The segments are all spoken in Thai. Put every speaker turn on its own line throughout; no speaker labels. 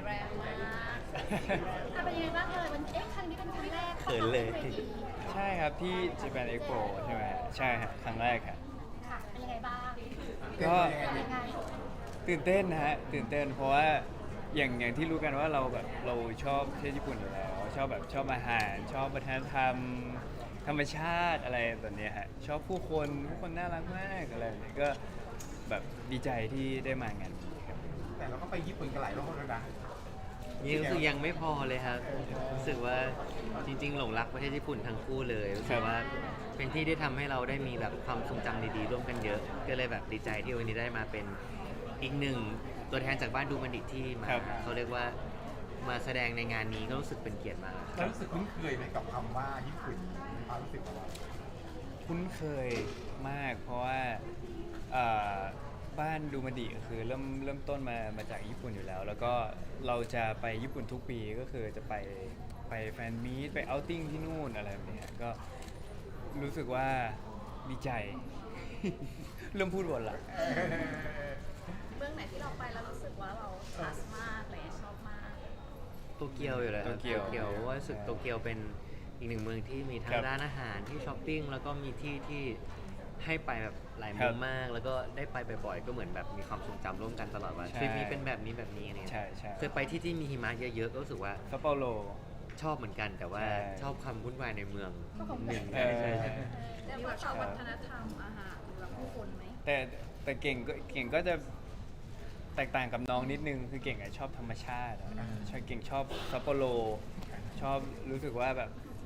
แรงมากเป็นยังไงบ้างเลยวันครั้งนี้เป็นครั้งแรก
เขินเลย
ใช่ครับที่ Japan Expo ใช่ไหมใช่ครับครั้งแรกครับ
ค่ะเป็นยังไงบ้าง
ก็
เป็นยังไง
ตื่นเต้นนะฮะตื่นเต้นเพราะว่าอย่างที่รู้กันว่าเราแบบเราชอบประเทศญี่ปุ่นอยู่แล้วชอบแบบชอบอาหารชอบวัฒนธรรมธรรมชาติอะไรแบบเนี้ยฮะชอบผู้คนน่ารักมากอะไรแบบนี้ก็แบบดีใจที่ได้มางานนี้ครับ
แต่เราก็ไปญี่ปุ่นกันหลายรอบแล้วนะ
นี่รู้สึกยังไม่พอเลยครับรู้สึกว่าจริงๆหลงรักประเทศญี่ปุ่นทั้งคู่เลยรู้สึกว่าเป็นที่ที่ทำให้เราได้มีแบบความทรงจำดีๆร่วมกันเยอะ ก็เลยแบบดีใจที่วันนี้ได้มาเป็นอีกหนึ่งตัวแทนจากบ้านดูมันดิที่มา
ครับ
เขาเรียกว่ามาแสดงในงานนี้ก็รู้สึกเป็นเกียรติมาก
เรารู้สึกคุ้นเคยไหมกับคำว่าญี่ปุ่นในความรู้สึกของเรา
คุ้นเคยมากเพราะว่าเอ่อบ้านดูมันดิก็คือเริ่มต้นมาจากญี่ปุ่นอยู่แล้ว แล้วก็เราจะไปญี่ปุ่นทุกปีก็คือจะไปแฟนมีตไปเอาท์ติ้งที่นู่นอะไรแบบเนี้ยก็รู้สึกว่าดีใจ เริ่มพูดวนละ
เมืองไหนที่เราไปแล้วรู้สึกว่าเราทัสมากเลยชอบมาก
โตเกียวอยู่เลยครับ
โตเกียว
เพราะว่ารู้สึกโตเกียวเป็นอีกหนึ่งเมืองที่มีทั้
ค
ง
รับ
ร้านอาหารที่ช้อปปิ้งแล้วก็มีที่ที่ให้ไปแบบหลาย
ครั
มุ
บ
มมาก แล้วก็ได้ไปบ่อยๆก็เหมือนแบบมีความทรงจำร่วมกันตลอดว่า
ใช่
ทริปนี้เป็นแบบนี้อะไรเงี้ย
ใช่ใช่
เคยไปที่มีหิมะเยอะๆก็รู้สึกว่า
ซัปโปโร
ชอบเหมือนกันแต่ว่า
ใช่
ชอบความวุ่นวายในเมืองหนึ่ง
เออ
ใช่ใช่
แต่ว่าชอบวัฒนธรรมอาหารหรือว่าผู้คนไหม
แต่เก่งก็จะแตกต่างกับน้องนิดนึงคือเก่งอะชอบธรรมชาติอะชอบเก่งชอบซัปโปโรชอบรู้สึกว่าแบบ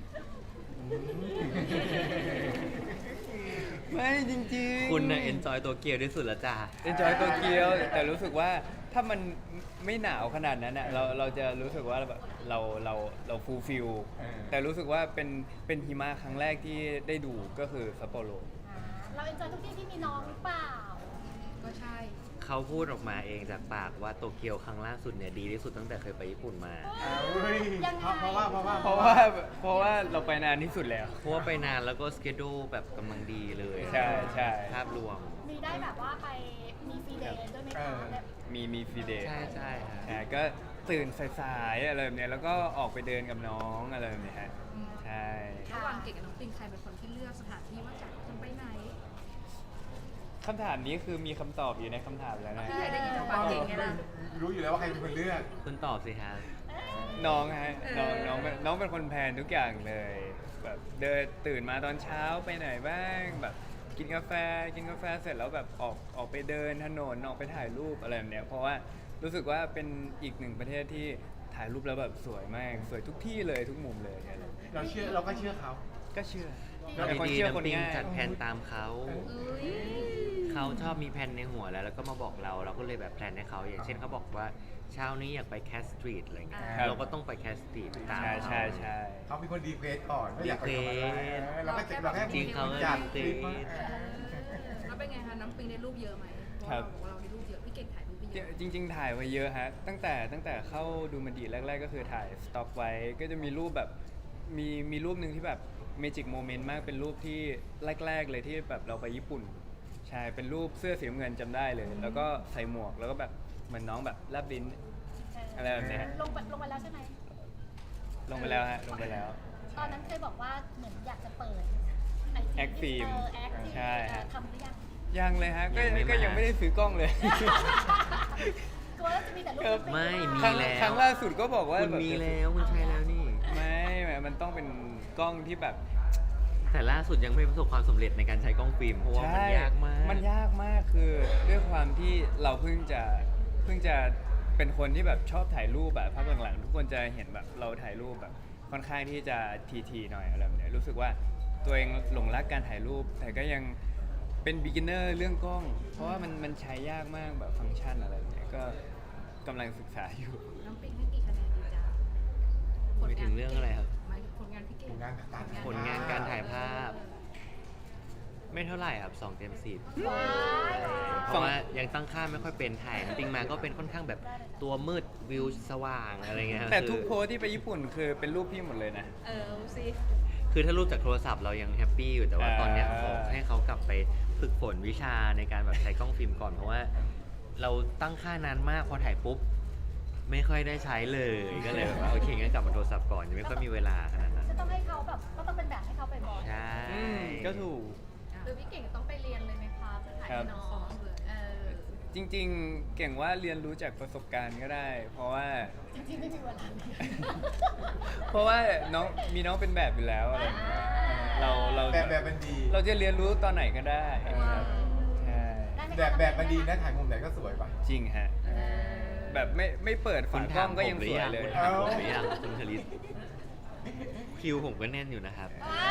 ไม่จริงๆ
คุณน่ะเอนจอยโตเกียวที่สุดละจ้า
เอนจอยโตเกียวแต่รู้สึกว่าถ้ามันไม่หนาวขนาดนั้นอ่ะเราจะรู้สึกว่าแบบเราฟูลฟิลแต่รู้สึกว่าเป็นหิมะครั้งแรกที่ได้ดูก็คือซัปโปโร
เราเอ็นจอยทุกที่ที่มีน้องหรือเปล่า ก็ใช่
เขาพูดออกมาเองจากปากว่าโตเกียวครั้งล่าสุดเนี่ยดีที่สุดตั้งแต่เคยไปญี่ปุ่นมา
เฮ้ย
ยังไง
เพราะว่า
เพราะว่าเราไปนานที่สุดแล้ว
เพราะว่าไปนานแล้วก็สเกดูแบบกำลังดีเลย
ใช่ใช่
ภาพรวม
มีได้แบบว่าไปมีฟรีเดย์ด้วยไหมคะแบบ
มีฟรีเดย์
ใช่ใช่ฮะ
ก็ตื่นสายๆอะไรแบบเนี้ยแล้วก็ออกไปเดินกับน้องอะไรแบบเนี้ยฮะใช่
ระหว่างเก่งกับน้องปิงใครเป็นคนที่เลือกสถานที่ว่าจะไปไหน
คำถามนี้คือมีคำตอบอยู่ในคำถามแล้วนะ
พี่ใหญ่ได้ยินจากปากเก่งไงล่ะ
รู้อยู่แล้วว่าใครเป็นคนเลือก
คุณตอบสิฮะ
น้องฮะน้องเป็นคนแพลนทุกอย่างเลยแบบเดินตื่นมาตอนเช้าไปไหนบ้างแบบกินกาแฟเสร็จแล้วแบบออกไปเดินถนนออกไปถ่ายรูปอะไรแบบเนี้ยเพราะว่ารู้สึกว่าเป็นอีกหนึ่งประเทศที่ถ่ายรูปแล้วแบบสวยมากสวยทุกที่เลยทุกมุมเลยอะไรแบบเนี้ย
เราก็เชื่อเขา
ก็เชื่อ
ก็
เป็นคน
ดี
เชื่อ
น้ำ
คน
ปิง
ง่าย
จัดแผนตามเขา เขาชอบมีแผนในหัวแล้วก็มาบอกเราเราก็เลยแบบแพลนให้เขาอย่างเช่นเขาบอกว่าเช้านี้อยากไปแคสสตรีทอะไรเงี้ย
ครับ
เราก็ต้องไปแคสสตรีทตาม
ใช่
เขา
ใช่
เขาเป็นคนดีเควสก่อนไม่อยากไปทำอะไร
ดีเควส
เราก็เราแค่
จริงเขาก็
จัด
ดีเควส
แล้วเป็นไงคะน้ำปิงได้รูปเยอะไหมเพราะ
ครับ
เราบอกว่าเราได้รูปเยอะ พี่เก่งถ่ายรูปไปเยอะ
จริงๆถ่ายไว้เยอะฮะตั้งแต่เข้าดูมันดีแรกๆก็คือถ่ายสต็อกไว้ก็จะมีรูปแบบมีรูปหนึ่งที่แบบเมจิกโมเมนต์มากเป็นรูปที่แรกๆเลยที่แบบเราไปญี่ปุ่นใช่เป็นรูปเสื้อสีน้ำเงินจำได้เลย แล้วก็ใส่หมวกแล้วก็แบบเหมือนน้องแบบแลบลิ้นอะไรแบบเนี้ย
ลงไปแล้วใช่ไหม
ลงไปแล้วฮะลงไปแล้ว
ตอนนั้นเคยบอกว่าเหมือนอยากจะเปิด
แอคฟิล์ม
แอคฟิล์ม
ใช่ฮะ
ทำหรือยัง
ยังเลยฮะก็
ยังไม่มา
ยังไม่ได้ซื้อกล้องเลย
กลัวว่าจะมีแต่รูป
ไม่มี
ครั้ง
แล้ว
ครั้งล่าสุดก็บอกว่า
คุณ
แบบ
มีแล้วคุณใช้แล้วนี่
ไม่มันต้องเป็นกล้องที่แบบ
แต่ล่าสุดยังไม่ประสบความสำเร็จในการใช้กล้องฟิล์มเพราะว่ามันยากมาก
มันยากมากคือด้วยความที่เราเพิ่งจะเป็นคนที่แบบชอบถ่ายรูปแบบภาพหลังๆทุกคนจะเห็นแบบเราถ่ายรูปแบบค่อนข้างที่จะทีหน่อยอะไรแบบเนี้ยรู้สึกว่าตัวเองหลงรักการถ่ายรูป แต่ก็ยังเป็น beginner เรื่องกล้อง เพราะว่ามันใช้ยากมากแบบฟังก์ชันอะไรแบบเนี้ยก็กำลังศึกษาอยู่
น้ำปิงให้กี่คะแนนดีจ้า
ไม่ถึงเรื่องอะไรครับ
หมายถึงผลงานพี่เก่ง
ผลงานการถ่ายภาพ ไม่เท่าไหร่ครับ2 เต็ม 10
ว้าย
เพราะว่ายังตั้งค่าไม่ค่อยเป็นถ่ายจริงมาก็เป็นค่อนข้างแบบตัวมืดวิวสว่างอะไรเงี้ย
แต่
คือ
ทุกโพสที่ไปญี่ปุ่นคือเป็นรูปพี่หมดเลยนะ
เอาสิ
คือถ้ารูปจากโทรศัพท์เรายังแฮปปี้อยู่แต่ว่า
อ่า
ตอนเนี้ยขอให้เขากลับไปฝึกฝนวิชาในการแบบใช้กล้องฟิล์มก่อนเพราะว่าเราตั้งค่านานมากพอถ่ายปุ๊บไม่ค่อยได้ใช้เลยก็เลยแบบว่าโอเคงั้นกลับมาโทรศัพท์ก่อนยังไม่ค่อยมีเวลาขนาดนั้น
จะต้องให้เขาแบบก็ต้องเป็นแบบให้เขาไปบ่อย
ใช่
ก็ถูก
หรือพี่เก่งต้องไปเรียนเลยไหมคะเพื่อถ่ายให้น้อง
จริงๆ เก่งว่าเรียนรู้จากประสบการณ์ก็ได้ เพราะว่า
จริงๆไม่มีเวลา
เพราะว่าน้องมีน้องเป็นแบบอยู่แล้วอะไรอย่างเงี้ยเรา
แบบมันดี
เราจะเรียนรู้ตอนไหนก็ได้ครับใช่
ได้ไหมคะ
แบบมันดีนะถ่ายมุมไหนก็สวยป่ะ
จริงฮะแบบไม่เปิด
คุ
ฝา
ณ
กล้
ถา
อ
ม
ง
ผ
ก็
ม
ยัง
หรื
ส
อ
วย
ยัง
เลย
คุณถามผมหรือยังคุณคลิสคิวผมก็แน่นอยู่นะครับ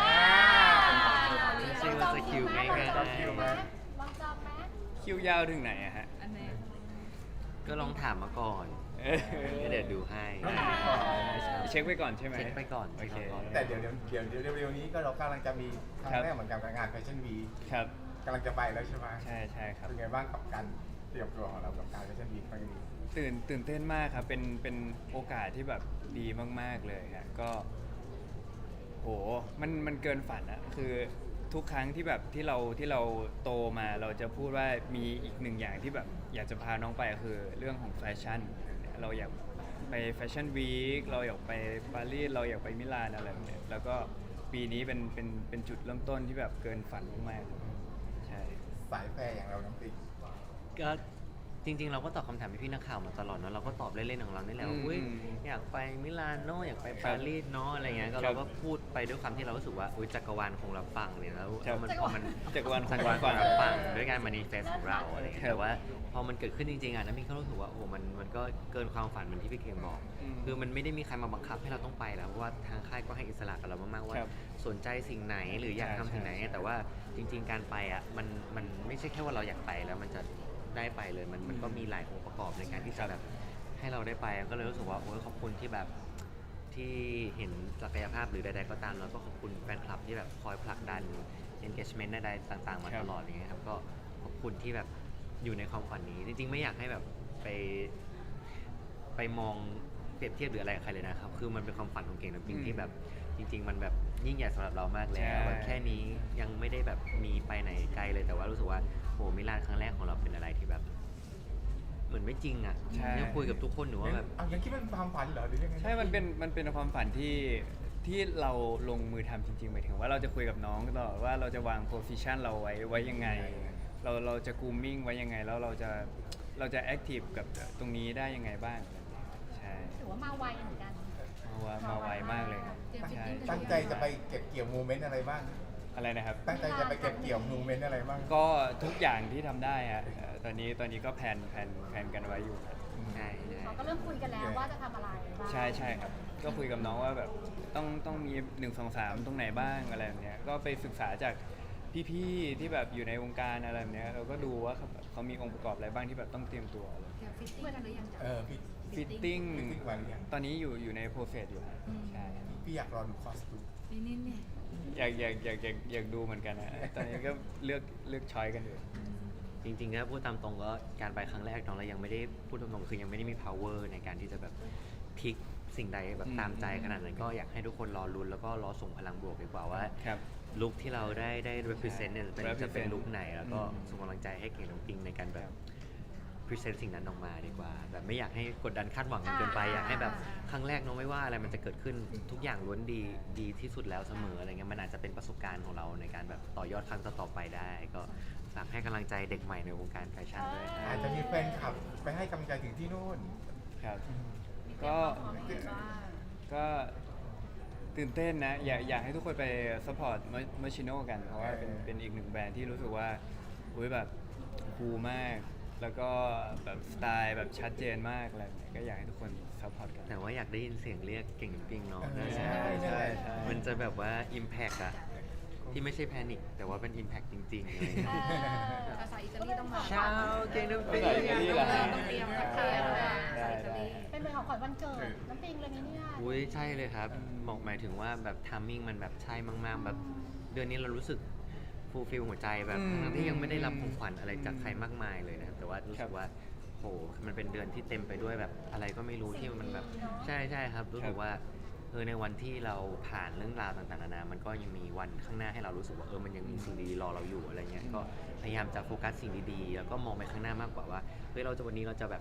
ไม่ใช่ว่าจะคิวง่าย
ลองจองไหม
คิวยาวถึงไหนอะฮะ
อันนี้
ๆก็ลองถามมาก่อน
เออ
เดี๋ยวดูให้
เช็คไปก่อนใช่ไหม
เช็คไปก่อน
โอเค
แต่เดี๋ยวเร็วๆนี้ก็เรากำลังจะมีครั้งแรกเหมือนกันกับงานแฟชั่นวี
ครับ
กำลังจะไปแล้วใช่ไหม
ใช่ครับ
เป็นไงบ้างกับการเตรียมตัวของเรากับการแฟชั่นวีครั้งนี้
ตื่นเต้นมากครับ เป็นโอกาสที่แบบดีมากๆเลยฮะก็โหมันเกินฝันอะคือทุกครั้งที่แบบที่เราโตมาเราจะพูดว่ามีอีกหนึ่งอย่างที่แบบอยากจะพาน้องไปคือเรื่องของแฟชั่นเราอยากไปแฟชั่นวีคเราอยากไปปารีสเราอยากไปมิลานอะไรแบบเนี้ยแล้วก็ปีนี้เป็นจุดเริ่มต้นที่แบบเกินฝันมากๆใช่
สายแฟร์อย่างเราน้ำติ๊ก
ก็จริง ๆ เราก็ตอบคำถามพี่ๆนักข่าวมาตลอดเนอะเราก็ตอบเล่นๆของเรานี่แหละว่าอุ๊ยอยากไปมิลานโนอยากไปปารีสเนาะอะไรเงี้ยก็เราก็พูดไปด้วยความที่เรารู้สึกว่าอุ๊ยจักรวาลคงรับฟังเลยแล้วมันพอมัน
จักรวาล
จักรวาลคงรับฟังด้วยการมานิเฟสของเราอะไรเงี้ยแต่ว่าพอมันเกิดขึ้นจริงๆอ่ะน้ำมินก็รู้สึกว่าโอ้โหมันก็เกินความฝันเหมือนที่พี่เก่งบอก คือมันไม่ได้มีใครมาบังคับให้เราต้องไปแล้วเพราะว่าทางค่ายก็ให้อิสระกับเรามากๆว่า
ครับ
สนใจสิ่งไหนหรืออยากทำสิ่งไหน แต่ว่าจริง ๆ การไปอ่ะมันไม่ใช่แค่ว่าเราอยากไปแล้วมันจะได้ไปเลยมันก็มีหลายองค์ประกอบในการที่จะแบบให้เราได้ไปก็เลยรู้สึกว่าโอ้ยขอบคุณที่แบบที่เห็นศักยภาพหรือใดๆก็ตามแล้วก็ขอบคุณแฟนคลับที่แบบคอยผลักดัน engagement ใดๆต่างๆมาตลอดอย่างเงี้ยครับก็ขอบคุณที่แบบอยู่ในความฝันนี้จริงๆไม่อยากให้แบบไปมองเปรียบเทียบหรืออะไรกับใครเลยนะครับคือมันเป็นความฝันของเก่งน้ำปิงที่แบบจริง ๆ มันแบบยิ่งใหญ่สำหรับเรามากแล้วแบบแค่นี้ยังไม่ได้แบบมีไปไหนไกลเลยแต่ว่ารู้สึกว่าโหมิลานครั้งแรกของเราเป็นอะไรที่แบบเหมือนไม่จริงอ่ะ
ใช่
ยังคุยกับทุกคนหนูว่าแบบ
เอายังคิดว่าเป็นความฝันเหรอหรือยังไง
ใช่มันเป็นความฝันที่เราลงมือทำจริงๆหมายถึงว่าเราจะคุยกับน้องตลอดว่าเราจะวางโพสิชันเราไว้ยังไง เราจะกูมมิ่งไว้ยังไงแล้วเราจะแอคทีฟกับตรงนี้ได้ยังไงบ้างใช่
ถือว่ามาไวเหมือนกัน
มาไวมากเลยครับ
เตรียมฟิต
ใช่
ติ้ง
ตั้งใจจะไปเก็บเกี่ยวโมเมนต์อะไรบ้าง
อะไรนะครับ
ตั้งใจจะไปเก็บเกี่ยวโมเมนต์อะไรบ้าง
ก็ทุกอย่างที่ทำได้ฮะตอนนี้ก็แผนกันไว้อยู่ครับ
ใช่ใช่
เขาก็เริ่มคุยกันแล้วว่าจะทำอะไรบ้าง
ใช่ครับ ก็คุยกับน้องว่าแบบต้องมี1 2 3ตรงไหนบ้างอะไรแบบเนี้ยก็ไปศึกษาจากพี่ๆที่แบบอยู่ในวงการอะไรแบบเนี้ยเราก็ดูว่าเขามีองค์ประกอบอะไรบ้างที่แบบต้องเตรียมตัว
เตรียมฟิตติ้งกันหรือยังจ๊ะ
พี่
ฟิตติ้ง
ฟิตติ้งมาหรือยัง
ตอนนี้อยู่ในโปรเซสอยู่ครับใช่
พี่อยากรอดูคอสตูม
นี่เนี่ย
อยากดูเหมือนกันนะตอนนี้ก็เลือกช้อยกันอยู่
จริงๆถ้าพูดตามตรงก็การไปครั้งแรกน้องเรายังไม่ได้พูดตรงๆคือยังไม่ได้มี power ในการที่จะแบบพลิกสิ่งใดแบบตามใจขนาดนั้นก็อยากให้ทุกคนรอลุ้นแล้วก็รอส่งพลังบวกดีกว่าว่า
ครับ
ลุคที่เราได้ represent เนี่ยจะเป็น
represent
ลุคไหนแล้วก็
อืม
ส่งกำลังใจให้เก่งน้ำปิงในการแบบ present สิ่งนั้นออกมาดีกว่า แบบไม่อยากให้กดดันคาดหวังกันเกินไปอยากให้แบบครั้งแรกน้องไม่ว่าอะไรมันจะเกิดขึ้นทุกอย่างล้วนดีที่สุดแล้วเสมออะไรเงี้ยมันอาจจะเป็นประสบการณ์ของเราในการแบบต่อยอดครั้งต่อๆไปได้ ก็ฝากให้กำลังใจเด็กใหม่ในวงการแฟชั่นด้วยนะ
อาจจะมีแฟนคลับไปให้กำลังใจถึงที่นู่น
ครับ
มีเตรีย
ก็
มความพร้อมยังไงบ้าง
ก็ตื่นเต้นนะอยากให้ทุกคนไปซัพพอร์ตเมอร์ชิโน่กัน เพราะว่าเป็นอีกหนึ่งแบรนด์ที่รู้สึกว่าอุ้ยแบบคูลมาก แล้วก็แบบสไตล์แบบชัดเจนมากอะไรแบบเนี้ยก็อยากให้ทุกคนซัพพอร์ตกัน
แต่ว่าอยากได้ยินเสียงเรียกเก่งน้ำปิงเนาะ
ใช่ใช่ใช่
มันจะแบบว่า impact อะที่ไม่ใช่แพนิคแต่ว่าเป็น impact จริงๆอะไรเงี้ย
ภาษาอิตาลีต้องมา
เช้าเก่งน้ำปิง
ภาษาอิตาลีเหรอฮะ
ต้องเตรียมทักทายแล้วนะภาษาอิตาลี
เป็นเหมือนของขวัญวันเกิดน้ำปิงเลยนี่เนี่ย
อุ้ยใช่เลยครับบอกหมายถึงว่าแบบทามมิ่งมันแบบใช่มากๆแบบเดือนนี้เรารู้สึกฟูลฟิลหัวใจแบบทั้งที่ยังไม่ได้รับของขวัญอะไรจากใครมากมายเลยนะครับแต่ว่ารู้สึกว่าโหมันเป็นเดือนที่เต็มไปด้วยแบบอะไรก็ไม่รู้ที่มันแบบใช่ครับรู้สึกว่าในวันที่เราผ่านเรื่องราวต่างๆนานามันก็ยังมีวันข้างหน้าให้เรารู้สึกว่ามันยังมีสิ่งดีๆรอเราอยู่อะไรเงี้ยก็พยายามจะโฟกัสสิ่งดีๆแล้วก็มองไปข้างหน้ามากกว่าว่าเฮ้ยวันนี้เราจะแบบ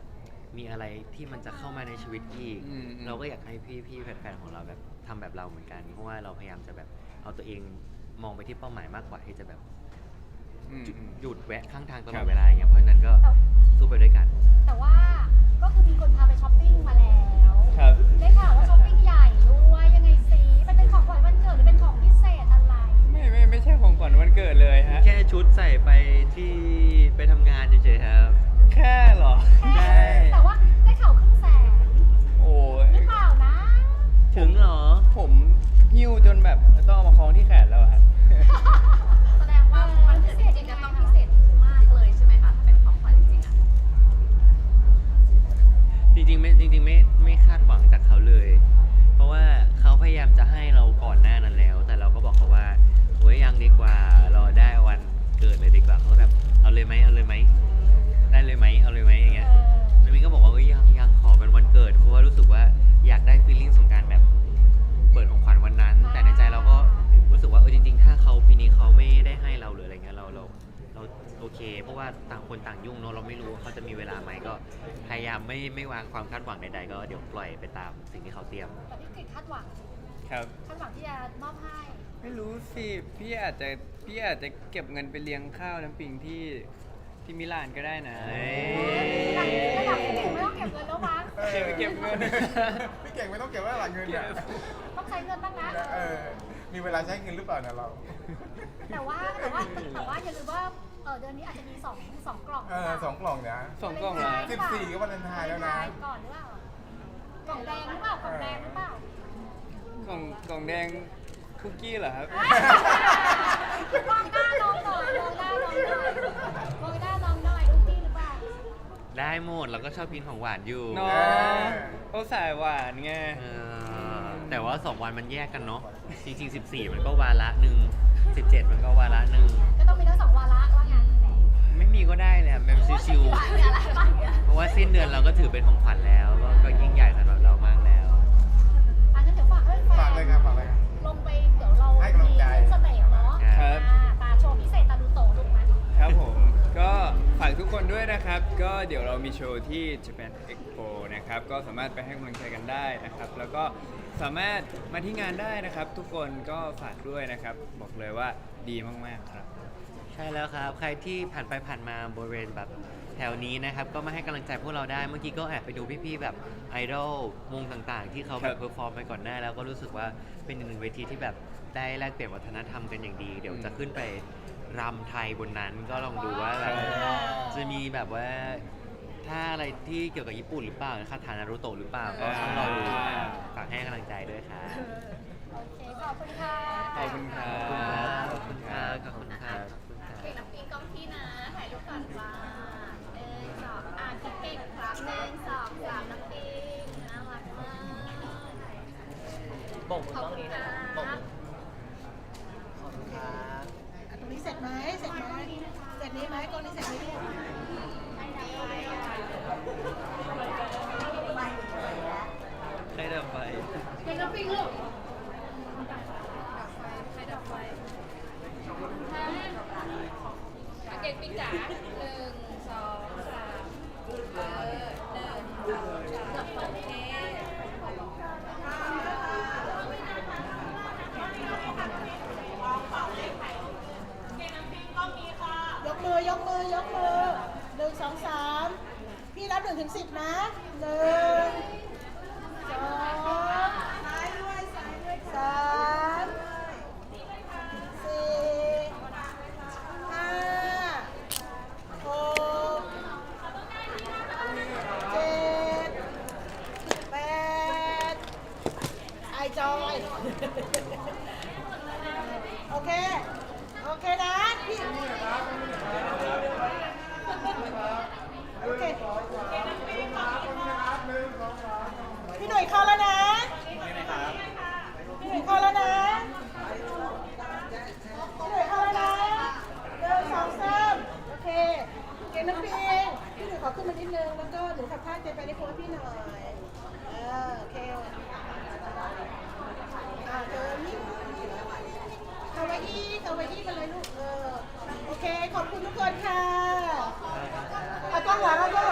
มีอะไรที่มันจะเข้ามาในชีวิตอีก เราก็อยากให้พี่ๆแฟนๆของเราแบบทำแบบเราเหมือนกันเพราะว่าเราพยายามจะแบบเอาตัวเองมองไปที่เป้าหมายมากกว่าที่จะแบบหยุดแวะข้างทางตลอดเวลาอย่างเงี้ยเพราะฉะนั้นก็สู้ไปด้วยกัน
แต่ว่าก็คือมีคนพาไปช้อปปิ้งมาแล้ว
ครับ
ได้ข่าวว่าช้อปปิ้งใหญ่ด้วยยังไงสิมันเป็นของขวัญวันเกิดหรือเป็นของพิเศษอะไร
ไม่ใช่ของขวัญวันเกิดเลยฮะ
แค่ชุดใส่ไปที่ไปทำงานเฉยๆครับ
แค่เหรอ
แค่แต่ว่าได้ข่าวครึ่งแสน
โอ้ย
หรือเปล่านะ
ถึงเหรอ
ผมหิ้วจนแบบต้องเอามาคล้องที่แขนแล้วอะครับ
แสดงว่าวันเกิดจริงๆจะต้องพิเศษมากเลยใช่ไหมคะถ้าเป็นของขวัญจริงๆอะ
จริงๆไม่คาดหวังจากเขาเลย เพราะว่าเขาพยายามจะให้เราก่อนหน้านั้นแล้ว แต่เราก็บอกเขาว่าโอ้ยยังดีกว่ารอได้วันเกิดเลยดีกว่าเขาแบบเอาเลยไหมได้เลยไหมเอาเลยไหมอย่างเงี้ยแล้วมินก็บอกว่าเอ้ยยังขอเป็นวันเกิดเพราะว่ารู้สึกว่าอยากได้ฟีลลิ่งของการแบบเปิดของขวัญวันนั้น แต่ในใจเราก็รู้สึกว่าจริงๆถ้าเขาปีนี้เขาไม่ได้ให้เราหรืออะไรเงี้ยเราโอเค เพราะว่าต่างคนต่างยุ่งเนอะเราไม่รู้ว่าเขาจะมีเวลาไหมก็พยายามไม่วางความคาดหวังใดๆก็เดี๋ยวปล่อยไปตามสิ่งที่เขาเตรียม
แต่พี่กฤษคาดหวัง
ครับ
คาดหวังที่จะมอบให้
ไม่รู้สิพี่อาจจะเก็บเงินไปเลี้ยงข้าวน้ำปิงที่มิลานก็ได้นะ
ระดับพี่เก่งไม่ต้องเก็บเงินแล้วมั้ง
เก็บเงิน
พี่เก่งไม่ต้องเก็บไว้หลังเงินเนี่ย
ต้องใช้เงินบ้างนะ
มีเวลาใช้เงินหรือเปล่าเนี่ยเรา
แต่ว่าอย่าลืมว่าเดือนนี้อาจจะมีสองกล่อง
2 กล่องนะ
2 กล่องเหรอ
14ก็วันเลนไทน์แล้วนะ
ก่อนหรือเปล่ากล่องแดงหรือเปล่ากล่องแดงหรือเปล่าก
ล่องแดงคุกกี้เหรอครับ
มองหน้าน้องหน่อยมองหน้าน้องหน่อยมองหน้าน้องหน่อยลูกพี่หรือเปล่า
ได้หมดเราก็ชอบกินของหวานอยู่
น้องเขาสายหวานไง
แต่ว่า2 วันมันแยกกันเนาะจริงๆ14มันก็วาระหนึ่ง17มันก็วาระหนึ่ง
ก็ต้องมีทั้งสองวาระว่างั้น
ไม่มีก็ได้แหละแบบชิวๆเพราะว่าสิ้นเดือนเราก็ถือเป็นของขวัญแล้วก็ยิ่งใหญ่สำหรับเรามากแล้ว
อันนั้นเดี๋ยวฝากให้แฟ
ฝากเลยครับฝากเลยครับ
ลงไปเดี๋ยวเรา
ให้กำลังใจ
เสน่ห์เนาะ
ครับ
ตาโชว์พิเศษตาดูโตลูกไหม
ครับผมก็ฝากทุกคนด้วยนะครับ ก็เดี๋ยวเรามีโชว์ที่ Japan Expo นะครับก็สามารถไปให้กำลังใจกันได้นะครับ แล้วก็สามารถมาที่งานได้นะครับ ทุกคนก็ฝากด้วยนะครับ บอกเลยว่าดีมากๆครับ
ใช่แล้วครับ ใครที่ผ่านไปผ่านมาบริเวณแบบแถวนี้นะครับ ก็มาให้กำลังใจพวกเราได้ เมื่อกี้ก็แอบไปดูพี่ๆแบบไอดอลวงต่างๆ ที่เขาแบบเพอร์ฟอร์มไปก่อนหน้าแล้วก็รู้สึกว่าเป็นอีกหนึ่งเวทีที่แบบได้แลกเปลี่ยนวัฒนธรรมกันอย่างดี เดี๋ยวจะขึ้นไปรำไทยบนนั้นก็ลองดูว่าแบบจะมีแบบว่าถ้าอะไรที่เกี่ยวกับญี่ปุ่นหรือเปล่าคาถานารุโตะหรือเปล่าก็ต้องรอดูฝากให้กำลังใจด้วยครับ
โอเค ขอบคุณค่ะ
ขอบคุณครับ
ขอบคุณครับขอบคุณครับ
เก่งน้ำปิงกล้องพี่นะ ถ่ายรูปก่อนจ้า1 2พี่เก่งครับ1 2 3น้ำปิงน่ารักมาก
บ่งกล้องนี้นะบ่ง
ขอบคุณ
ครับ
ตรงนี้เสร็จไหมเสร็จไหมเสร็จนี้ไหมกล้องนี้เสร็จไหมเนี่ย
ใครดับไฟ
เก่งน้ำปิงลูก
ใครดับไฟเก่งปิงจ๋า1 2 3ดับไฟโอเค
ยกมือยกมือยกมือ1 2 3พี่รับ1 ถึง 10นะ1 2 3 4 5 6 7 8ไอจอยโอเค โอเคนะพี่โอเคพี่หนุ่ยเข้าแล้วนะพี่หนุ่ยเข้าแล้วนะพี่หนุ่ยเข้าแล้วนะ1 2 3โอเคเก่งน้ำปิงพี่หนุ่ยขอขึ้นมานิดนึงแล้วก็หนูทำท่าเจไปในโพสพี่หน่อยโอเคเจอนี่คาวาอี้มาเลยลูกโอเคขอบคุณทุกคนค่ะเอากล้องหลัง